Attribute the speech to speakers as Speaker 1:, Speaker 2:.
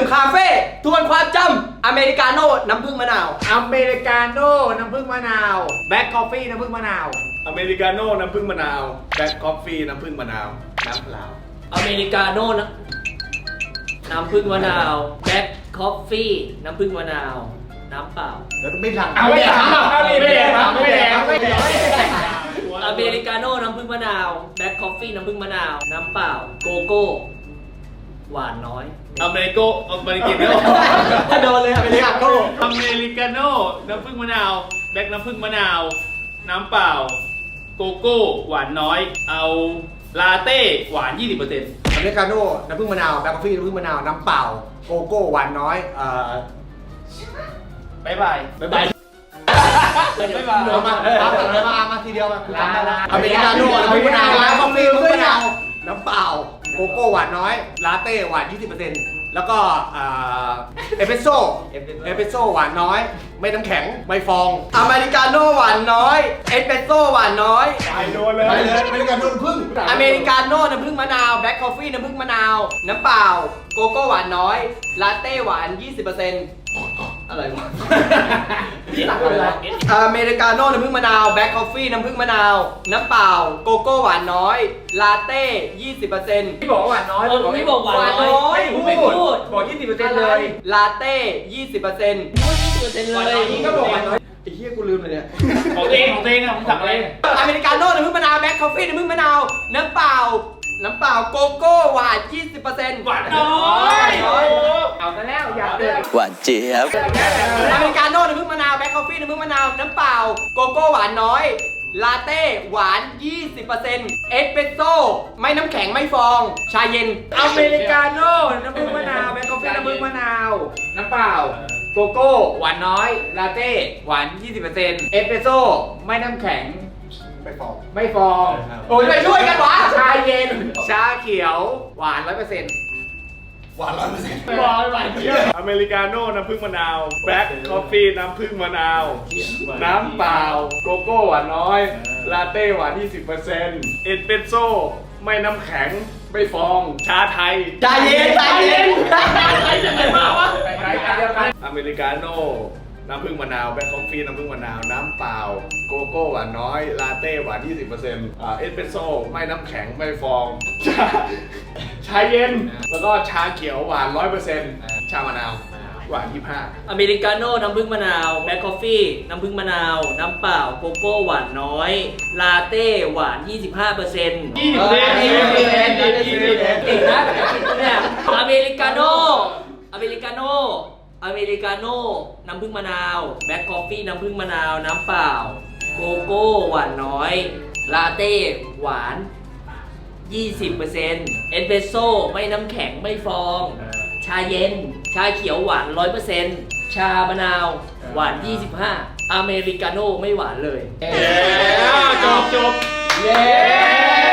Speaker 1: คาเฟ่ทวนความจำอเมริกาโน่น้ำผึ้งมะนาว
Speaker 2: อเมริกาโน่น้ำผึ้งมะนาวแบล็คคอฟฟี่น้ำผึ้งมะนาว
Speaker 3: อเมริกาโน่น้ำผึ้งมะนาวแบล็คคอฟฟี่น้ำผึ้งมะนาวน้ำเปล่า
Speaker 4: อเมริกาโน่นะน้ำผึ้งมะนาวแบล็คคอฟฟี่น้ำผึ้งมะนาวน้ำเปล่า
Speaker 2: แล้วไม่หลัง
Speaker 3: เอาไม่แดกไม่แดกไม่แดกไม่แดก
Speaker 4: อเมริกาโน่น้ำผึ้งมะนาวแบล็คคอฟฟี่น้ำผึ้งมะนาวน้ำเปล่าโกโก้หวานน้อย
Speaker 3: อเมริกาโน่
Speaker 1: ถ้าโดนเลยอเมริกาโน่
Speaker 3: อเมริกาโน่น้ำผึ้งมะนาวแบล็คน้ำผึ้งมะนาวน้ำเปล่าโกโก้หวานน้อยเอาลาเต้หวาน 20%
Speaker 2: อเมริกาโน่น้ำผึ้งมะนาวแบล็คคอฟฟี่น้ำผึ้งมะนาวน้ำเปล่าโกโก้หวานน้อย
Speaker 3: บ๊ายบาย
Speaker 2: บ๊ายบายมาทีเดียวมาอเมริกาโน่น้ำผึ้งมะนาวแบล็คคอฟฟี่น้ำผึ้งมะนาวน้ำเปล่าโกโก้หวานน้อยลาเต้หวาน 20%แล้วก็เอสเปรสโซ่หวานน้อยไม่น้ำแข็งไม่ฟอง
Speaker 1: อเมริกาโน่หวานน้อยเอสเปรสโซ่หวานน้อย
Speaker 3: ไปโดนเลย
Speaker 2: ไปเลยอเมริกาโน่น้ำผึ้ง
Speaker 1: อเมริกาโน่น้ำผึ้งมะนาวแบล็คคอฟฟี่น้ำผึ้งมะนาวน้ำเปล่าโกโก้หวานน้อยลาเต้หวาน 20%อะไรวะพี่สั่งอะไรวะอเมริกาโน่น้ำผึ้งมะนาวแบล็คคอฟฟี่น้ำผึ้งมะนาวน้ำเปล่าโกโก้หวานน้อยลาเต้ 20%
Speaker 2: พี่บอกว่าหวานน้อย
Speaker 4: ไม่บอกหวานน้อย
Speaker 2: ไม่พูดบอก 20%เลย
Speaker 1: ลาเต้ 20%
Speaker 4: พูด20%เลย
Speaker 2: นี่ก็บอกหวานน้อย
Speaker 1: ไอ้เหี้ยกูลืมเลยเนี่ย
Speaker 3: ของเองอ่ะผมสั่งอะไร
Speaker 1: อเมริกาโน่น้ำผึ้งมะนาวแบล็คคอฟฟี่น้ำผึ้งมะนาวน้ำเปล่าโกโก้หวาน 20%
Speaker 3: หวานน้อย
Speaker 2: เอาซะแล้วอยากเดิน
Speaker 5: หวานเจี๊ยบ
Speaker 1: อเมริกาโน่น้ำผึ้งมะนาวแบล็คคอฟฟี่น้ำผึ้งมะนาวน้ำเปล่าโกโก้หวานน้อยลาเต้หวาน 20% เอสเปรสโซ่ไม่น้ำแข็งไม่ฟองชาเย็น
Speaker 2: อเมริกาโน่น้ำผึ้งมะนาวแบล็คกาแฟน้ำผึ้งมะนาวน้ำเปล่าโกโก้หวานน้อยลาเต้หวาน 20%เอสเปรสโซ่ไม่น้ำแข็งไม่ฟอง
Speaker 1: โอ้ยไปช่วยกันวะ
Speaker 2: ชาเย็นชาเขียวหวาน 100%
Speaker 3: บอกหวานเยอะอเมริกาโน่น้ำผึ้งมะนาวแบล็คคอฟฟี่น้ำผึ้งมะนาวน้ำเปล่าโกโก้หวานน้อยลาเต้หวาน 20%เอสเปรสโซ่ไม่น้ำแข็งไม่ฟองชาไทย
Speaker 1: ชาเย็น
Speaker 3: ใครจะไหนมาวะอเมริกาโน่น้ำผึ้งมะนาวแบล็คคอฟฟี่น้ำผึ้งมะนาวน้ำเปล่าโกโก้หวานน้อยลาเต้หวาน 20%เอสเปรสโซ่ไม่น้ำแข็งไม่ฟองชาเย็นแล้วก็ชาเขียวหวาน 100%ชามะนาวหวาน 25
Speaker 4: อเมริกาโน่น้ำผึ้งมะนาวแบล็คคอฟฟี่น้ำผึ้งมะนาวน้ำเปล่าโกโก้หวานน้อยลาเต้หวาน 25%
Speaker 3: 20%
Speaker 4: เก่งนะเนี่ยอเมริกาโน่น้ำผึ้งมะนาวแบล็คคอฟฟี่น้ำผึ้งมะนาวน้ำเปล่าโกโก้หวานน้อยลาเต้หวาน 20%เอสเปรสโซ่ไม่น้ำแข็งไม่ฟองชาเย็นชาเขียวหวาน 100% ชามะนาวหวาน 25 อเมริกาโน่ไม่หวานเลย
Speaker 3: จบ
Speaker 2: เย้